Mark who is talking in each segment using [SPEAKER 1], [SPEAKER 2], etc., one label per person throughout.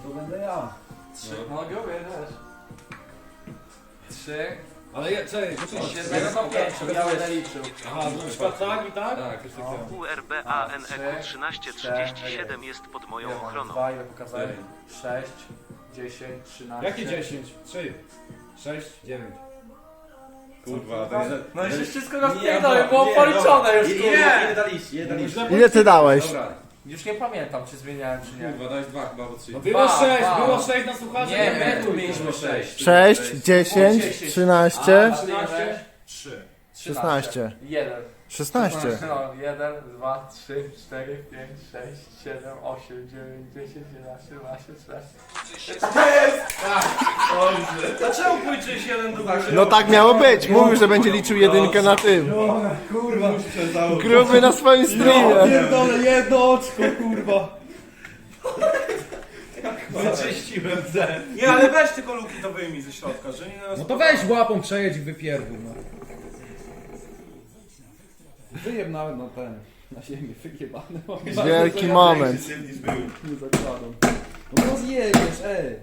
[SPEAKER 1] to będę ja.
[SPEAKER 2] 3.
[SPEAKER 3] No go też. 3.
[SPEAKER 1] Ale ja, czekaj, poczekaj.
[SPEAKER 3] 7 to 5, ja będę liczył.
[SPEAKER 1] Aha, na przykład tak i tak?
[SPEAKER 2] Tak, już tak samo.
[SPEAKER 4] URBANEQ 1337 jest pod moją ochroną.
[SPEAKER 3] 2, ile pokazałem? 6, 10, 13.
[SPEAKER 1] Jakie 10? 3, 6, 9.
[SPEAKER 2] Kurwa, to jest...
[SPEAKER 3] No i się wszystko rozpierdolę, było policzone już,
[SPEAKER 2] Ile daliście? Ile daliście?
[SPEAKER 5] Ile ty dałeś?
[SPEAKER 2] Dobra,
[SPEAKER 3] Już nie pamiętam, czy zmieniałem, czy nie.
[SPEAKER 2] kurwa, dałeś 2 chyba, albo 3.
[SPEAKER 1] No było 6,
[SPEAKER 3] Dwa.
[SPEAKER 1] było 6 na słuchaczy.
[SPEAKER 3] Nie, my tu mieliśmy 6.
[SPEAKER 5] 6, 10, 13,
[SPEAKER 3] 13,
[SPEAKER 1] 3.
[SPEAKER 5] 16.
[SPEAKER 3] 1.
[SPEAKER 5] 16.
[SPEAKER 3] No, 1, 2, 3, 4, 5, 6, 7, 8, 9, 10, 11, 12, 13.
[SPEAKER 2] Dlaczego pójdziesz jeden do góry?
[SPEAKER 5] No tak miało być. Mówił, że będzie liczył jedynkę na tym.
[SPEAKER 1] Kurwa.
[SPEAKER 5] Gruby na swoim streamie.
[SPEAKER 1] Pierdolę, jedno oczko, kurwa. Wyczyściłem zen.
[SPEAKER 6] Nie, ale weź tylko luki to wyjmij ze środka, że nie nas...
[SPEAKER 1] No to weź łapą przejedź i wypierdol, no. Wyjeb nawet na ten, na ziemię, wyjebany.
[SPEAKER 5] Wielki moment.
[SPEAKER 1] Nie zakładam. No rozjebiesz, ej.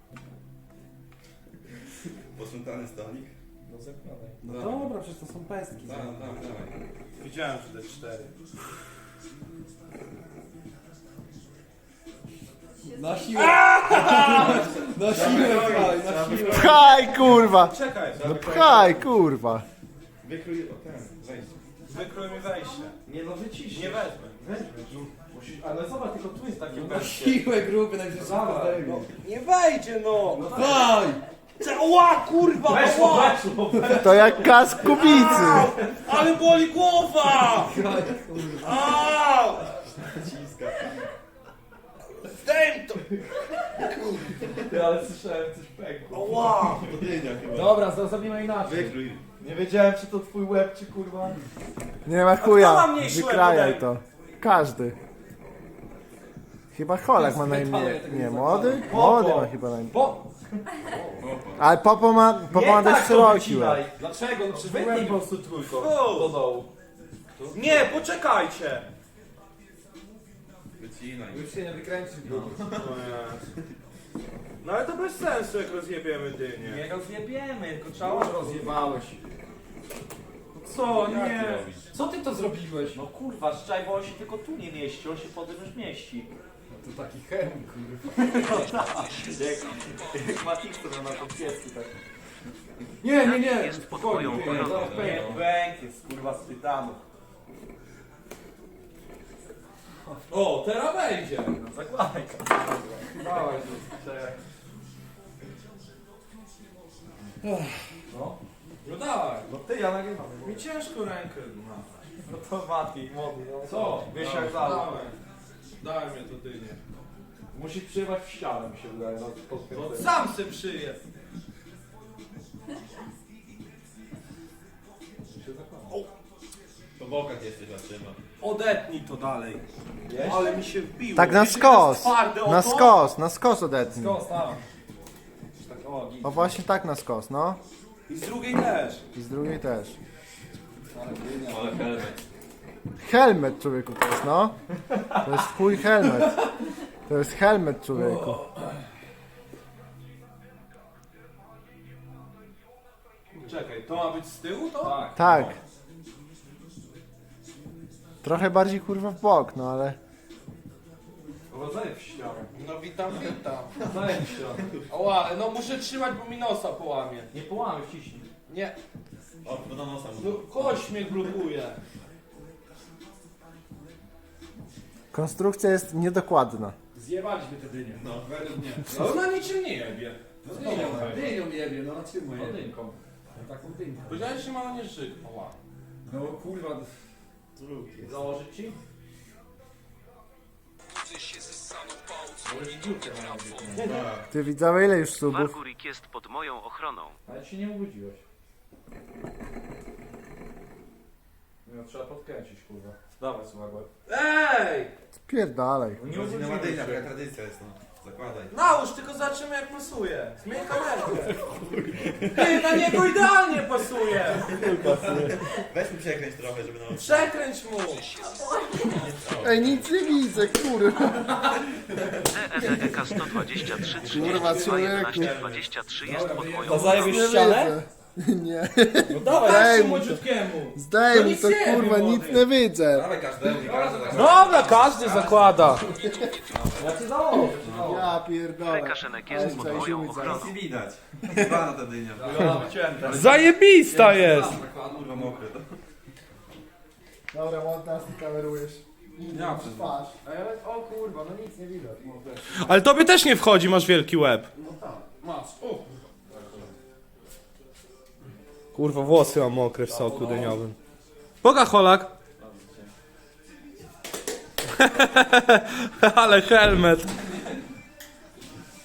[SPEAKER 2] Posprzątany stolik?
[SPEAKER 1] No zakładaj. No dobra, przecież to są pestki.
[SPEAKER 2] Dawaj.
[SPEAKER 6] Widziałem, że te 4.
[SPEAKER 1] Na siłę. Na siłę, pchaj, na siłę.
[SPEAKER 5] Pchaj, kurwa.
[SPEAKER 6] Czekaj,
[SPEAKER 5] No pchaj, kurwa.
[SPEAKER 2] Wykrój ten, wejście.
[SPEAKER 6] wykrój mi wejście.
[SPEAKER 1] Nie no, wycisz.
[SPEAKER 6] Nie wezmę.
[SPEAKER 3] Ale zobacz, tylko tu jest takie
[SPEAKER 1] Na
[SPEAKER 3] wejście.
[SPEAKER 1] siłę, gruby, najwyżej szybko zdejmie.
[SPEAKER 6] Nie wejdzie, no!
[SPEAKER 1] Pchaj!
[SPEAKER 6] Ła, kurwa, ła!
[SPEAKER 5] To jak kask kubicy.
[SPEAKER 6] Ale boli głowa! Au! Zdejm to!
[SPEAKER 3] Ale słyszałem coś pękło.
[SPEAKER 6] Ła!
[SPEAKER 1] Dobra, zrobimy inaczej.
[SPEAKER 2] Wykrój.
[SPEAKER 3] Nie wiedziałem, czy to twój łeb, czy kurwa.
[SPEAKER 5] Nie ma
[SPEAKER 6] A kto
[SPEAKER 5] chuja.
[SPEAKER 6] ma mniejszy
[SPEAKER 5] Wykrajaj
[SPEAKER 6] łeb
[SPEAKER 5] to. Każdy. Chyba Holak ma najmniej. Nie, młody? Młody ma chyba najmniej. Ale Popo ma dość szeroki łeb.
[SPEAKER 3] Dlaczego? No przecież
[SPEAKER 6] Wytnij
[SPEAKER 3] wytnij po prostu trójką.
[SPEAKER 6] O!
[SPEAKER 3] Do dołu.
[SPEAKER 6] Nie, poczekajcie!
[SPEAKER 2] Wycinaj.
[SPEAKER 1] Już się nie wykręcisz, gruby.
[SPEAKER 6] No ale to bez sensu, jak rozjebiemy dynię.
[SPEAKER 3] Nie rozjebiemy, tylko trzeba...
[SPEAKER 1] Rozjebałeś.
[SPEAKER 6] Co?
[SPEAKER 2] Jak
[SPEAKER 6] Nie.
[SPEAKER 2] ty robisz?
[SPEAKER 1] Co ty to zrobiłeś?
[SPEAKER 3] No kurwa, szczaj, bo on się tylko tu nie mieści, on się potem już mieści.
[SPEAKER 1] No to taki chemik, kurwa.
[SPEAKER 3] Jak Matixer na to pieski tak.
[SPEAKER 1] Nie.
[SPEAKER 4] Jest pod moją
[SPEAKER 1] Spokojnie,
[SPEAKER 4] ochroną.
[SPEAKER 1] zaraz pęknie.
[SPEAKER 3] Bęk jest kurwa z tytanu.
[SPEAKER 1] O, teraz będzie.
[SPEAKER 3] No zakładaj to.
[SPEAKER 1] Dawaj,
[SPEAKER 3] No.
[SPEAKER 1] no dawaj.
[SPEAKER 3] No ty, ja nagrywam.
[SPEAKER 6] Mi ciężko rękę.
[SPEAKER 3] No to matki, młody. No.
[SPEAKER 1] Co?
[SPEAKER 3] Wiesz jak dalej.
[SPEAKER 6] Daj mnie to dynię.
[SPEAKER 3] Musisz przyjechać w ścianę, mi się wydaje. No,
[SPEAKER 6] No sam se przyje.
[SPEAKER 2] Po bokach jesteś, zatrzyma.
[SPEAKER 6] Odetnij to dalej. Ale mi się wbiło.
[SPEAKER 5] Tak na
[SPEAKER 6] Wiecie,
[SPEAKER 5] skos.
[SPEAKER 6] jest twarde o
[SPEAKER 5] Na
[SPEAKER 6] to?
[SPEAKER 5] skos odetnij.
[SPEAKER 1] Skos, tam.
[SPEAKER 3] Tak, o, git.
[SPEAKER 5] O właśnie tak na skos, no.
[SPEAKER 6] I z drugiej też.
[SPEAKER 5] I z drugiej też.
[SPEAKER 2] Ale helmet.
[SPEAKER 5] Helmet, człowieku, to jest, no. To jest twój helmet. To jest helmet, człowieku.
[SPEAKER 6] Czekaj, to ma być z tyłu to?
[SPEAKER 1] Tak.
[SPEAKER 5] Tak. Trochę bardziej kurwa w bok, no ale...
[SPEAKER 3] Urodzenie w ścianę.
[SPEAKER 6] No witam.
[SPEAKER 3] Urodzenie w ścianę.
[SPEAKER 6] Oła, no muszę trzymać, bo mi nosa połamie.
[SPEAKER 3] Nie połamy, wciśnij.
[SPEAKER 6] Nie,
[SPEAKER 2] O, to do nosa
[SPEAKER 6] no
[SPEAKER 2] mu.
[SPEAKER 6] kość mnie blokuje.
[SPEAKER 5] Konstrukcja jest niedokładna.
[SPEAKER 1] Zjebaliśmy te dynie.
[SPEAKER 2] No.
[SPEAKER 1] Według mnie.
[SPEAKER 6] No na niczym nie jebie.
[SPEAKER 1] No dynią jebie, no na czym mu jebie?
[SPEAKER 3] Jedynką.
[SPEAKER 1] No taką dynką.
[SPEAKER 6] Powiedziałeś, że się ma na nie żyć. Oła.
[SPEAKER 1] No kurwa.
[SPEAKER 3] Założyć ci?
[SPEAKER 5] Ty widzowie, ile już subów?
[SPEAKER 4] Wargurik jest pod moją ochroną.
[SPEAKER 3] Ale ci nie obudziłeś. No trzeba podkręcić, kurwa. Dawaj, słuchaj.
[SPEAKER 6] Ej!
[SPEAKER 5] Spierdalaj.
[SPEAKER 3] Nie
[SPEAKER 2] Rodzina ma dynia,
[SPEAKER 3] obudziłeś
[SPEAKER 2] taka
[SPEAKER 3] się.
[SPEAKER 2] tradycja jest, no.
[SPEAKER 6] Zakładaj.
[SPEAKER 3] Nałóż, tylko zobaczymy jak pasuje. Zmień kamerkę. Ty, na niego idealnie pasuje.
[SPEAKER 6] Weź mi przekręć trochę, żeby na
[SPEAKER 3] Przekręć mu.
[SPEAKER 5] Ej, nic nie widzę, kurwa.
[SPEAKER 4] DEDEK 123
[SPEAKER 5] Kurwa,
[SPEAKER 4] 32 11 23 jest pod moją
[SPEAKER 1] To zajebiesz
[SPEAKER 5] Nie
[SPEAKER 1] ścianę?
[SPEAKER 5] widzę. Nie.
[SPEAKER 1] No dawaj,
[SPEAKER 5] Daj
[SPEAKER 1] jeszcze
[SPEAKER 5] mu to.
[SPEAKER 1] młodziutkiemu.
[SPEAKER 5] Zdaj mi
[SPEAKER 3] nic
[SPEAKER 5] to,
[SPEAKER 3] nie wiem,
[SPEAKER 5] kurwa,
[SPEAKER 3] młody.
[SPEAKER 5] nic nie widzę.
[SPEAKER 6] Dawaj każdemu, każdy tak.
[SPEAKER 3] Dobra, każdy zakłada.
[SPEAKER 1] Ja cię założę.
[SPEAKER 5] Ja pierdolę.
[SPEAKER 4] Kaszenek jest pod moją ochroną.
[SPEAKER 6] Nic nie widać. Chyba ta dynia.
[SPEAKER 3] Zajebista jest.
[SPEAKER 6] Kurwa mokre to.
[SPEAKER 5] Dobra, montaż, ty kamerujesz.
[SPEAKER 6] Ja przez
[SPEAKER 5] Twarz. O kurwa, no nic nie widać.
[SPEAKER 3] Ale tobie też nie wchodzi, masz wielki łeb.
[SPEAKER 1] Masz.
[SPEAKER 3] Kurwa, włosy mam mokre w soku dyniowym. Boga Holak. Ale helmet.